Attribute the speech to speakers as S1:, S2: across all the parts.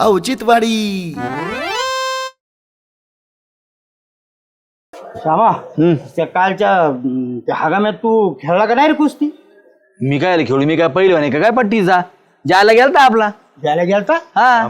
S1: औचित्यवाडी.
S2: श्यामा त्या कालच्या त्या हगाम्यात तू खेळला का नाही रे कुस्ती?
S3: मी काय खेळू, मी काय पहिलं नाही का काय पट्टीचा जायला गेलता आपला
S2: द्यायला गेलता?
S3: हा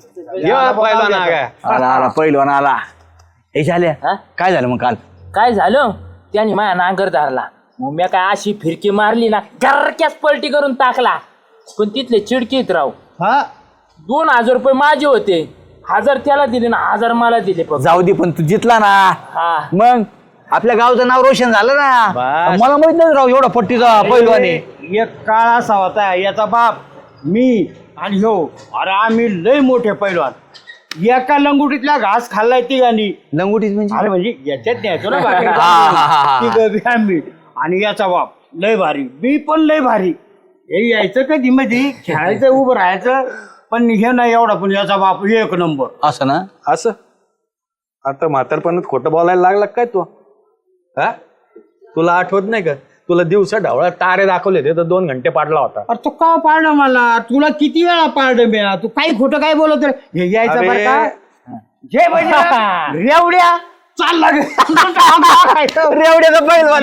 S2: आला
S3: आला पहिलवान आला. हे झाल्या काय झालं मग काल?
S4: काय झालं त्याने माझ्या नांगर धरला. मग मी काय अशी फिरकी मारली ना घरक्याच पलटी करून टाकला. पण तिथले चिडकीत राव.
S2: हा
S4: 2000 रुपये माझे होते. 1000 त्याला दिले ना 1000 मला दिले.
S3: जाऊ दे पण तू जितला ना.
S4: हा
S3: मग आपल्या गावचं नाव रोशन झालं ना. मला माहित नाही राव एवढा पट्टीचा पहिलवाने.
S2: एक काळ असा होता याचा बाप मी आणि ह्यो अरे आम्ही लय मोठे पैलवान. एका लंगुटीतला घास खाल्लाय तिघांनी.
S3: लंगोटीच म्हणजे
S2: अरे म्हणजे याच्यात न्यायचो ना
S3: हा.
S2: तिघं बी आम्ही आणि याचा बाप लय भारी मी पण लय भारी. हे यायचं कधी मध्ये खेळायचं उभं राहायचं पण हे नाही एवढा पण याचा बाप एक नंबर.
S3: असं ना.
S5: असं आता म्हातारपणात खोटं बोलायला लागला काय तू? हा तुला आठवत नाही का? तुला दिवसा ढवळा तारे दाखवले होते तर 2 घंटे पाडला होता.
S2: अरे तू का पाळणं मला? तुला किती वेळा पाळणं मी? तू काही खोटं काय बोलत रे? हे यायचं बरं का? जे रेवड्या चालला
S3: रेवड्याचा पहिलवान.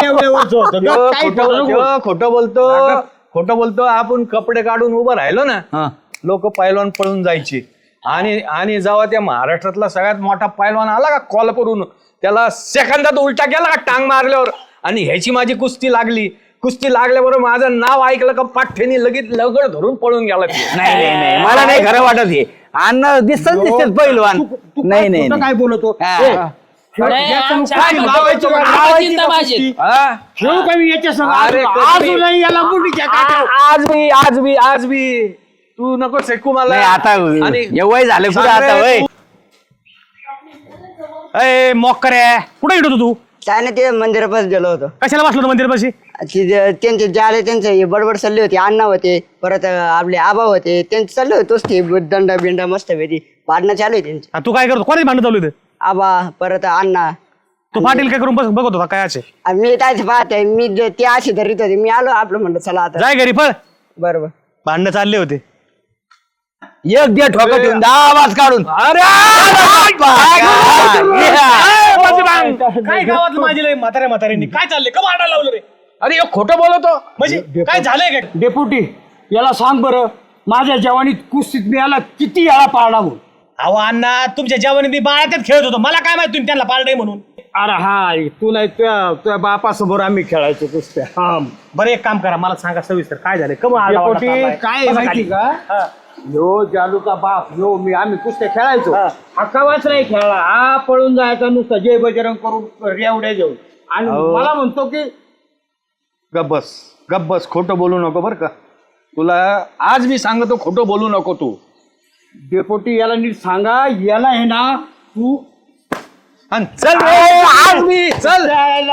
S5: खोटं बोलतो आपण कपडे काढून उभं राहिलो ना लोक पैलवान पळून जायचे. आणि जेव्हा त्या महाराष्ट्रातला सगळ्यात मोठा पैलवान आला का कोल्हापूरहून त्याला सेकंदात उलटा गेला का टांग मारल्यावर आणि ह्याची माझी कुस्ती लागल्याबरोबर माझं नाव ऐकलं का पाठ्यानी लगेच लगड धरून पळून गेला.
S3: नाही मला नाही खरं वाटत हे. अन्न दिसत पहिलवान. नाही
S2: काय बोलतो?
S5: आज बी तू नको सेकू मला
S3: आता वय झालं पुढे आता वय.
S6: अय मोकरे कुठे येतो तू?
S7: काय नाही ते मंदिरापास गेलो होतो.
S6: कशाला बसलो मंदिरापाशी?
S7: त्यांचे जाले त्यांचे बडबड चालले होते. अण्णा होते परत आपले आबा होते त्यांचे चालले होते तोच ते दंडा बिंडा मस्त पैकी पाडणं चालू आहे त्यांचे.
S6: तू काय करतो? कोणाची भांडण चालू आहे?
S7: आबा परत अण्णा.
S6: तू पाटील काय करून बघत होता काय?
S7: मी काय पाहते मी ते असे धरीत होते. मी आलो आपलं म्हणलं चला आता
S6: जाय घरी पळ.
S7: बरोबर
S6: भांडणं चालले होते.
S3: एक दे ठोका ठेवून आवाज काढून.
S6: काय गावात माझी म्हाताऱ्यांनी काय चाललंय का भांडायला लावलं रे?
S5: अरे खोटं बोलतो
S6: म्हणजे काय झालंय काय?
S2: डेपुटी याला सांग बरं माझ्या जवानीत कुस्तीत मी याला किती याला पाळला म्हणून.
S6: अहो अण्णा तुमच्या जेवणी मी बाळातच खेळत होतो. मला काय माहिती तुम्ही त्यांना पाळलंय म्हणून.
S2: अरे हा तू नाही तुझ्या बापासमोर आम्ही खेळायचो कुस्त्या. हा
S6: बरं एक काम करा मला सांगा सविस्तर काय झालंय का?
S2: डेपुटी काय माहिती का? ह्यो जालूचा बाप ह्यो आम्ही कुस्त्या खेळायचो. हक्कावाच नाही खेळला. हा पळून जायचा नुसता जय बजरंग करून रेवड्या घेऊन. आणि मला म्हणतो की
S5: गप बस खोटं बोलू नको बर का. तुला आज मी सांगतो खोटं बोलू नको तू.
S2: डेपुटी याला नीट सांगा याला आहे ना तू
S5: चल आज मी चल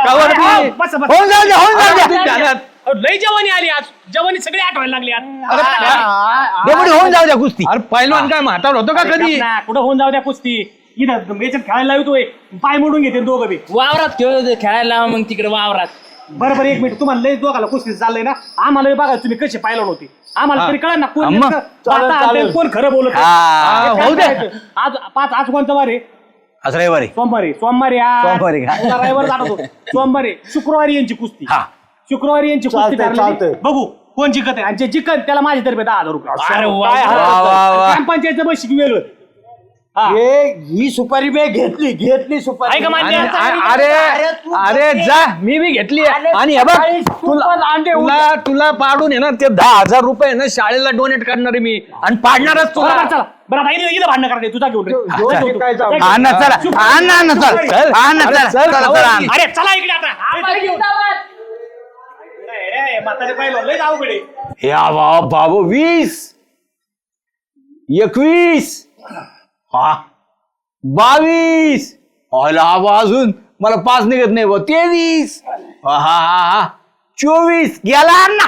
S6: लई जवानी आली आज. जवानी सगळी आठवायला लागली आज.
S3: होऊन जाऊ द्या कुस्ती.
S5: अरे पहिलवान काय म्हातार होतो का कधी?
S6: कुठं होऊन जाऊ द्या कुस्ती. इथं याच्यात खेळायला लावतोय पाय मोडून घेते दोघं बी.
S4: वावरात खेळायला मग तिकडे वावरात.
S6: बरोबर एक मिनिट तुम्हाला लई दोघाला कुस्ती चाललंय ना. आम्हाला बघा तुम्ही कसे पाहिलं होती. आम्हाला तरी कळा ना कोण खरं बोलत. आज 5 आज कोणता वार आहे?
S3: आज रविवारी.
S6: सोमवारी रविवार जातो. सोमवारी शुक्रवारी यांची कुस्ती. शुक्रवारी यांची कुस्ती ठरलेली. बघू कोण जिंकत आहे. आणि जे जिंकत त्याला माझ्यातर्फे 10,000 रुपये. ग्रामपंचायतचं बशीक वेगळं.
S2: ही सुपारी मी घेतली सुपारी.
S6: आहे का मान्य?
S5: अरे जा मी बी घेतली आणि हे बघ तुला पाडून आहे ना ते 10,000 रुपये ना शाळेला डोनेट करणार आहे मी आणि पाडणारच तुला.
S6: चला बरं आता इथं भांडणं करायचं तुझा घेऊन. अरे चला इकडे आता.
S3: बाबू 20 21 22 अजून मला 5 निघत नाही. 23 24 गेला ना.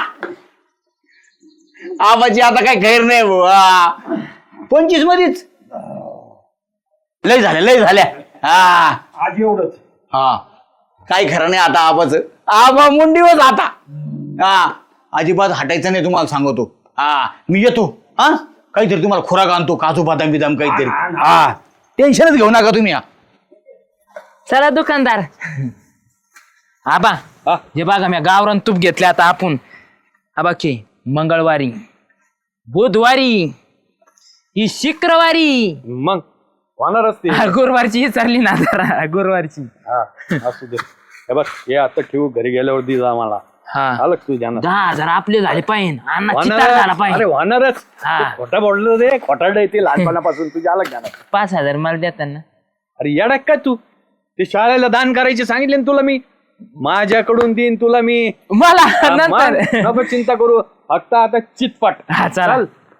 S3: आबाची आता काय गैर नाही 25 मध्येच लय झाल्या.
S2: आज एवढंच.
S3: काही खरं नाही आता आबाच. आबा मुंडीवर आता अजिबात हटायचं नाही तुम्हाला सांगतो. मी येतो. काहीतरी तुम्हाला खुराक आणतो, काजू बदाम बिदाम काहीतरी. हा टेन्शनच घेऊ नका तुम्ही.
S4: चला दुकानदार. आबा हे बघा मी गावरान तूप घेतले आता आपण. आबा की मंगळवारी, बुधवारी, ही शुक्रवारी,
S5: मग होणारच ते.
S4: गुरुवारची विचारली ना जरा गुरुवारची.
S5: हा, असू दे. हे बघ हे आता ठेवू, घरी गेल्यावर दे जा मला.
S4: हा
S5: आलं का तुझ्या
S4: 10,000 आपले झाले पाहिजे. अण्णा चितार
S5: होणारच.
S4: झाला
S5: अरे
S4: पाहिजे.
S5: होणारच.
S4: हा.
S5: तू खोटं बोललो रे, खोटारडं येते लहानपणापासून तुझ्या आलं ज्ञानात.
S4: 5,000 मला देताना.
S5: अरे येडा काय तू, ते शाळेला दान करायचे सांगितले ना तुला मी. माझ्याकडून देईन तुला मी.
S4: मला
S5: हा,
S4: नंतर.
S5: मग नको चिंता करू, फक्त आता चितपट.
S4: हा चला.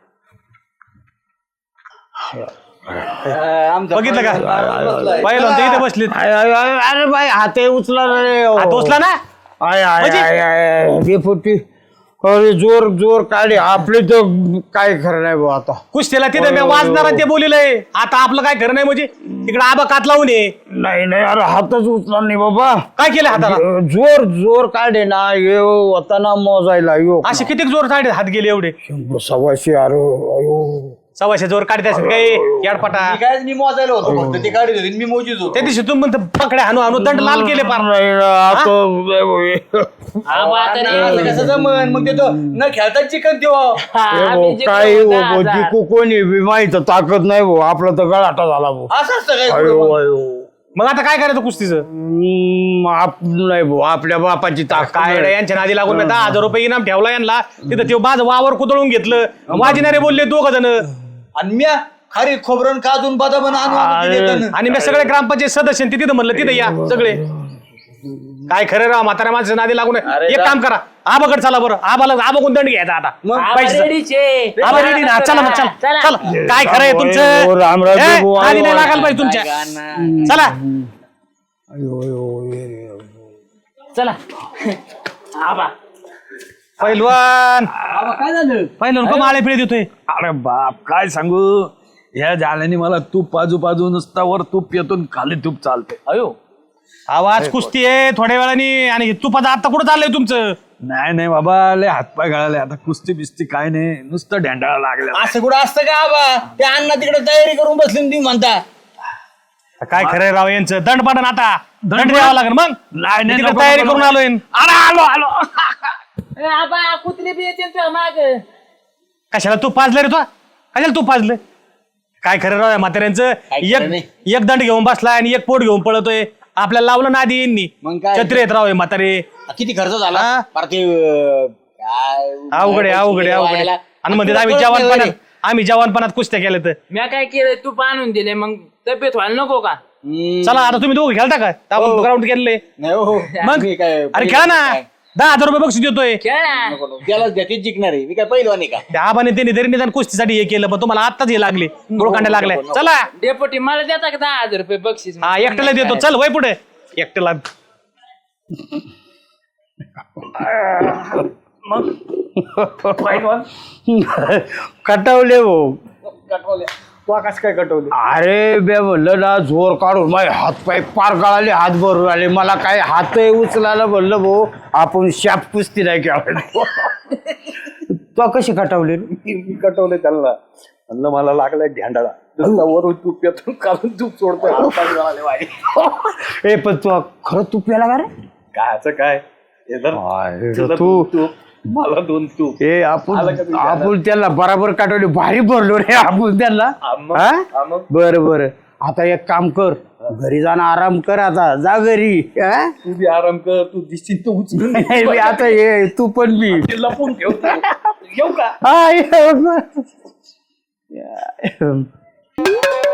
S6: बघितलं का पाहिलं ते इथे बसले.
S2: अरे बाई हात उचला रे.
S6: टोचला ना.
S2: डेपुटी अरे जोर जोर काढे आपले तर काय खरं नाही भाऊ आता.
S6: कुस्तीला तिथे मी वाजणार ते बोलिलंय. आता आपलं काय खरं नाही म्हणजे तिकडे आबा कात लावून ये.
S2: नाही नाही अरे हातच उचला नाही बाबा.
S6: काय केलं हाताला?
S2: जोर जोर काढे ना यो वताना मोजायला यो
S6: असे किती जोर साडे हात गेले एवढे?
S2: 100 अरे अयो.
S6: 100 जोर काढते असेल काय याडपटा.
S3: काय मी मोजायला होतो फक्त, ते गाडी होती मी मोजीच होतो.
S6: त्या दिवशी तुम्ही म्हणतो पकडे हाणू हाणू दंड लाल केले पार.
S4: आबा आता नाही.
S3: कसं जमन मग ते तो न खेळता चिकन देवा.
S4: आम्ही जिंकलो
S2: काय हो
S4: 10,000.
S2: जिकू कोणी बी माहित ताकद नाही भाऊ. आपला तर गळाटा झाला भाऊ.
S3: असं असतं काय
S2: अयो
S3: कुठं मग?
S2: अयो.
S6: मग आता काय करायचं कुस्तीचं?
S2: नाही भाऊ आपल्या बापाची ताकद
S6: काय रे, यांच्या नादी लागून मी 10,000 रुपये इनाम ठेवला यांना. तिथं ते माझं वावर कुदळून घेतलं. वाजिनारे बोलले 2 जण.
S3: आणि म्या खारी खोबरं काजून बदाम आणून देताना.
S6: आणि मी सगळे ग्रामपंचायत सदस्य ते तिथं म्हणलं तिथं या सगळे. काय खरं राव, म्हाताऱ्या माणसं नादी लागून. एक काम करा, आबाकडे चला बरं. आबा कोण दंड घ्यायचा आता.
S4: आबा
S6: पैसे
S4: रेडीच आहे.
S6: आबा रेडी ना. चला मग चला
S4: चला.
S6: चला. काय खरं आहे तुमचं?
S2: ओ, रामराज
S6: ए,
S2: बाबू,
S6: नादी नाही
S2: आलो.
S6: लागायला पाहिजे तुमच्या. चला
S4: चला आबा.
S6: पैलवान
S3: काय झालं?
S6: पैलवान का माळे पिळे देतोय?
S5: अरे बाप काय सांगू, ह्या झाल्याने मला तूप पाजू नुसता वर तूप येतून खाली तूप चालते.
S4: अयो
S6: आवाज कुस्ती आहे थोड्या वेळाने. आणि तुपाचं आता कुठं चाललंय तुमचं?
S5: नाही बाबा, लय हातपाय गळाले आता. कुस्ती बिस्ती काय नाही, नुसतं ढेंडाळा लागल्या.
S3: असं कुठं असतं का आबा? ते अण्णा तिकडे तयारी करून बसले तुम्ही म्हणता.
S6: काय खरंय राव यांचं? दंड पाडन आता. दंड द्यावा लागेल मग.
S5: नाही,
S6: मी तिकडे
S5: नको,
S6: तयारी
S5: नको,
S6: करून आलोय.
S5: आलो
S4: ए, आबा कुत्रे बी येते तुझ्या माग.
S6: कशाला तू पाजलं रे? तो कशाला तू पाजलं? काय खरं राव या म्हाताऱ्यांचं? एक दंड घेऊन बसलाय आणि एक पोट घेऊन पळतोय. आपल्याला लावलं ना आधी यांनी.
S3: मग काय?
S6: छत्री येत राव हे म्हातारे.
S3: किती खर्च झाला?
S6: हा?
S3: फार ते
S6: अवघड आहे अवघड आहे अवघड आहे. आणि म्हणते आम्ही जवानपणात कुस्त्या केल्या तर.
S4: मी काय केलं तू आणून दिले मग तब्येत व्हायला नको का?
S6: चला आता तुम्ही दोघं खेळता का? आपण ग्राउंड केलेले
S3: नाही हो.
S6: मग
S3: मी काय
S6: अरे खेळा ना. 10,000 रुपये बक्षीस देतोय.
S4: खेळ ना.
S3: त्यालाच द्या, तेच जिंकणार आहे. मी काय पहिलवान आहे का?
S6: त्या आबाने त्यांनी तरी निदान कुस्तीसाठी हे केलं, पण तुम्हाला आत्ताच हे लागले डोळकांड्या लागल्या. चला
S4: डेपोटी मला देता का 10,000 रुपये बक्षीस?
S6: हा एकट्याला देतो. चल वय पुढे एकट्याला.
S2: कटवले भाऊ.
S6: तू आकाश काय कटवले?
S2: अरे बे म्हणलं ना जोर काढून माझे हात पाय पार गळाले, हात भरून आले. मला काय हात उचलायला म्हणलं भाऊ आपण शाप कुस्ती नाही खेळायला. तो कशी कटवले?
S5: मी कटवले त्यांना, म्हणलं मला लागलाय ढेंडाळा. नुसता वरून तूप येतो, खालून तूप सोडतोय. हातपाय गळाले माझे.
S2: ए पण तू खरं तू प्याला का रे?
S5: कायचं काय हे धर. तुला
S2: तू
S5: 2 तूप, मला 2 तूप.
S2: ए आपण त्याला बराबर काटवले, भारी भरलो रे आपण त्याला.
S5: मग?
S2: बरं बरं आता एक काम कर, घरी जाणं आराम कर. आता जा घरी. हा?
S5: तू बी आराम कर, तू दिसशील तू उचलून
S2: नाही, मी आता ये तू पण मी
S5: लपून ठेव. येऊ का?
S2: हा ये.